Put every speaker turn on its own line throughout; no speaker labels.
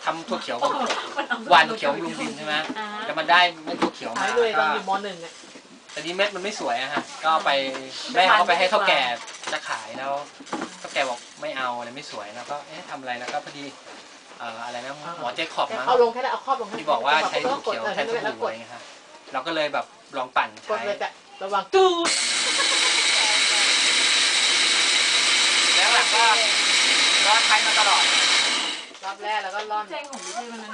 ทำถั่วเขียววันเขียวลุงดินใช่ไหมแต่มันได้เม็ดถั่วเขียวมา
เลยตอนอยู่ม.1เนี่ย
แต่นี้เม็ดมันไม่สวยอะฮะก็ไปแม่เขาไปให้เท่าแก่จะขายแล้วเท่าแก่บอกไม่เอาอะไรไม่สวยแล้วก็ทำอะไรแล้วก็พอดีอะไรนะหมอเจคอบมั้ง
เอาลงแค่นั้นเอาครอบลง
ที่บอกว่าใช้ถั่วเขียวแทนสบู่อะไรเงี้ยครับเราก็เลยแบบลองปั่นใช้
ระวังตูด
แล้วหลังก็ใช้มาตลอด
รอบแรกแล้วก็ร่อน
ใช่ของพี่ใช่วันนั้น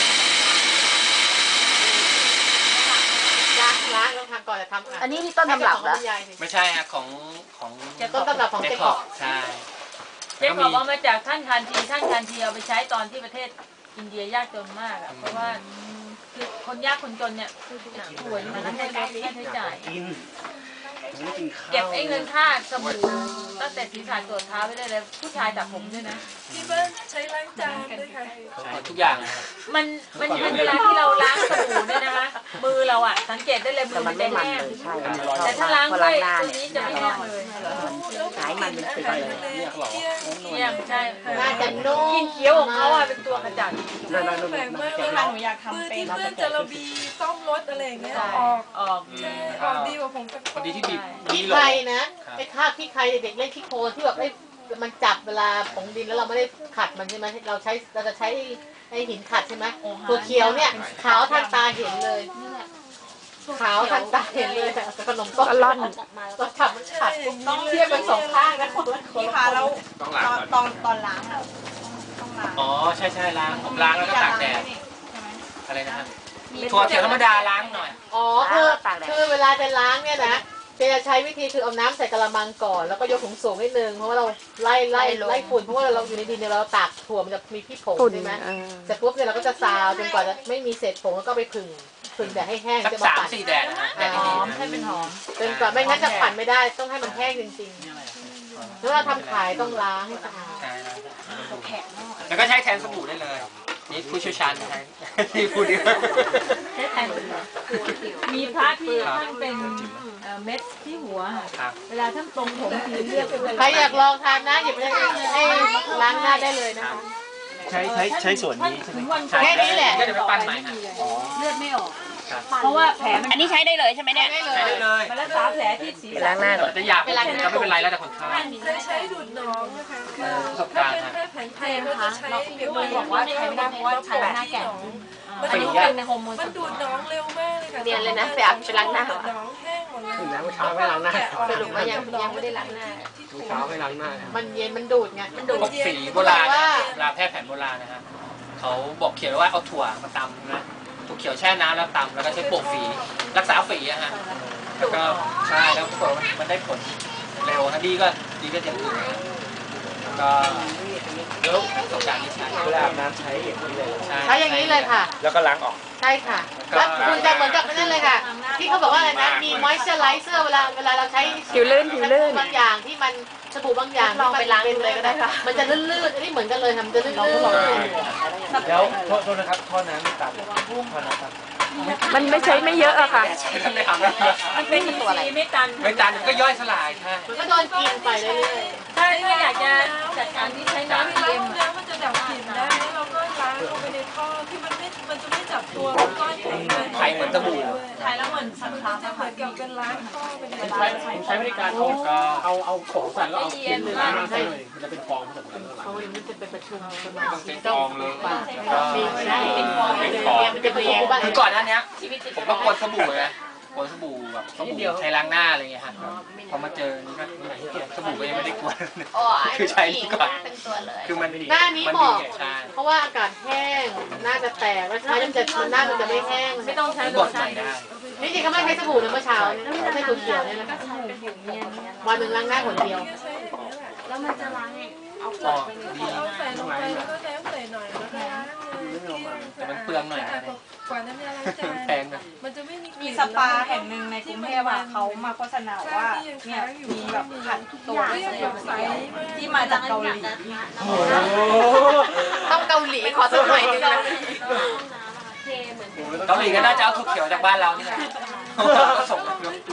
ล้างต้องทำก่อนจะทำ
อันนี้ที่ต้นตำรับเหรอ
ไม่ใช่ฮะของ
ต้นตำรับของเจคอบ
ใช่
เจคอบเอามาจากท่านคานทีเอาไปใช้ตอนที่ประเทศอินเดียยากจนมากอ่ะเพราะว่าคือคนยากคนจนเนี่ยป่วยมันต้องใช้ค่าใช้จ่ายเก็บเงินค่าสบู่ตั้งแต่ศีรษะตัวเท้าไปได้เลยผู้ชายตัดผมด้วยนะ
ที่บ้านใช้ล้างจานด้วยค่ะ
ทุกอย่าง
มันเวลาที่เราล้างสบู่เนี่ยนะคะมือเราอ่ะสังเกตได้เลยมือมันแห้งแต่ถ้าล้างด้วยตัวนี้จะไม่แห้งเลย
สายมันเป็นสีเลย
เนี่ยใช่
น่าจะนุ่ม
กินเคี้ยวของเขาอ่ะเป็นตัวกระจัด
แปลกมากเลยหนูอยากทำเป็นเพื่อนจะระบีซ่อมรถอะไรอย่างเงี้ยออกดีกว่าผม
พอดีที่บีบ
ขี้ใครนะไอ้คราบขี้ใครเด็กเล่นขี้โคลนที่แบบมันจับเวลาผงดินแล้วเราไม่ได้ขัดมันใช่ไหมเราจะใช้ไอ้หินขัดใช่ไหมตัวเขียวเนี่ยขาวทันตาเห็นเลยขาวทันตาเห็นเลยแต่ขนมต้ม
ร่อน
ก็ทำมันขัดต้องเทียบเป็นสองข้างนะ
พี่พาแล้วตอนล้างอ่ะ
ต้องล้างอ๋อใช่ล้างผมล้างแล้วก็ตากแดดอะไรนะครับถั่วเขียวธรรมดาล้างหน่อย
อ๋อคือเวลาจะล้างเนี่ยนะจะใช้วิธีคือเอาน้ำใส่กระมังก่อนแล้วก็ยกถุงสูงนิดนึงเพราะว่าเราไล่ฝุ่นเพราะว่าเราอยู่ในดินเนี่ยเราตากถั่วมันจะมีขี้ผงใช่ไหมเสร็จปุ๊บเนี่ยเราก็จะซาวจนกว่าจะไม่มีเศษผงแล้วก็ไปผึ่งแดดให้แห้ง
จะมาปั่น3-4 แดดนะแดด
หอมให้เป็นหอม
จนกว่าไม่งั้นจะปั่นไม่ได้ต้องให้มันแห้งจริงๆแล้วเราทำขายต้องล้างให้สะอาด
แล้วก็ใช้แทนสบู่ได้เลยนี่ผู้เชี่ยวชาญใช้ที่พูดดี
ใช้แทนมีพระที่ท่านเป็นเม็ดที่หัวเวลาท่านตรงผมทีเลือก
ใครอยากลองทานนะหยิบให้ล้างหน้าได้เลยนะคะ
ใช้ส่วนนี้ใช่ไหม
แค่นี้แหละ
ก็จะไปปั้นใหม่
เลือดไม่ออกเพราะว่าแผล
อันนี้ใช้ได้เลยใช่ไหมเนี่ย
ใช้ได้เลย
มันรักษาแผลที่ศีรษะ
ล้างหน้าก่อน
จะหยาบก็ไม่เป็นไรแล้วแต่คนไข้
ใช้ดูดน้องนะคะ
ประสบการณ์
ถ้าเป็นแผนไทยก็จะใช้เดี๋ยว
บอกว่าใช้ไม่ได้เพราะว่าใช้หน้าแก่
มันเป็นฮอร์โมนมันดูดน้องเร็วมากเลยค่ะ
เรียนเลยนะไปอาบไปล้างหน้า
น้องแห้งหมดเลย
น้ำเช้าไม่ล้างหน้า
สรุปว่ายังไม่ได้ล้างหน้า
เช้าไม่ล้างหน้า
มันเย็นมันดูดไง
มันดูดสีโบราณเวลาแพทย์แผนโบราณนะฮะเขาบอกเขียนว่าเอาถั่วมาตำนะถั่วเขียวแช่น้ำแล้วตำแล้วก็ใช้โปะฝีรักษาฝีอะฮะแล้วก็ใช่แล้วปรากฏมันได้ผลเร็วนะดีก็อย่างอื่นก็เร็วประสบการณ์ที่ใช้
เวลาอาบน้ำใช้อย่างนี้เลย
ใช้อย่างนี้เลยค่ะ
แล้วก็ล้างออก
ใช่ค่ะแล้วคุณจะเหมือนกับนั่นเลยค่ะที่เขาบอกว่าอะไรนะมีมอยเจอร์ไลเซอร์เวลาเราใช้
ผิวลื่น
บางอย่างที่มันสบู่บางอย่าง
ลองไปล้างเลยก็ได้ค่ะ
มันจะลื่นๆอันนี้เหมือนกันเลยทำจะลื่นๆ
แล้วโทษนะครับท่อน้ำไม่ตัดท่อน้ำตัด
มันไม่ใช้ไม่เยอะอะค่ะ
ไม่ทำแล้ว
มันเป็นตัวอะไรไม่ตั
นก็ย่อยสลายใช่
มันก็โดนกินไปเรื่อย
ๆถ้าอยากจะจัดการที่ใช้น้ำ
ล้างแล้วมันจะดับกลิ่นได้แล้วเราก็ล้างลงไปในท่อที่มันจะไม่จับตัวก้อน
ไข่เหมือนสบู่
ใช้แล้วเหมือนสันคา
จะเหมือนกับเป็นล้างท่อเป็น
ใช้บริการเอาของใส่แล้วเอาเย็นล้างให้เลยมันจะเป็นฟองผสมกัน
เขาเองมันจะเป็นประชุม
เป็นฟองเลย
เป็นฟองมันจะเป็นฟอง
คือก่อนหน้านี้ผมก็กวนสบู่เลยกวนสบู่แบบสบู่ใช้ล้างหน้าอะไรเงี้ยฮะพอมาเจอนี่ก็สบู่ก็ยังไม่ได้กวนคือใช้นี่ก่อนคือมัน
หน้านี้เหมาะเพราะว่าอากาศแห้งหน้าจะแตกแล้วใช้หน้ามันจะไม่แห้ง
ไม่ต้องใช้
บดใหม่ได้
นี่จริงเขาไม่ใช้สบู่นะเมื่อเช้าใช้ตัวเขียวเนี่ยนะวันหนึ่งล้างหน้าคนเดียว
แล้วมันจะล้าง
เอาใส่ลงไปแล้วก็ใส่หน่อยแล้วก็ล้างเลย
แต่มันเปลืองหน่อย
กว่าน้ำยาล้างจาน
แพงนะ
มันจะไม่
มีสปาแห่งหนึ่งในกรุงเทพเขามาโฆษณาว่าเนี่ยมีแบบขัดตัวที่มาจากเกาหลี
ต้องเกาหลีขอสักหน่อยนึงนะ
เกาหลีก็น่าจะเอาถั่วเขียวจากบ้านเรานี่แหละส่ง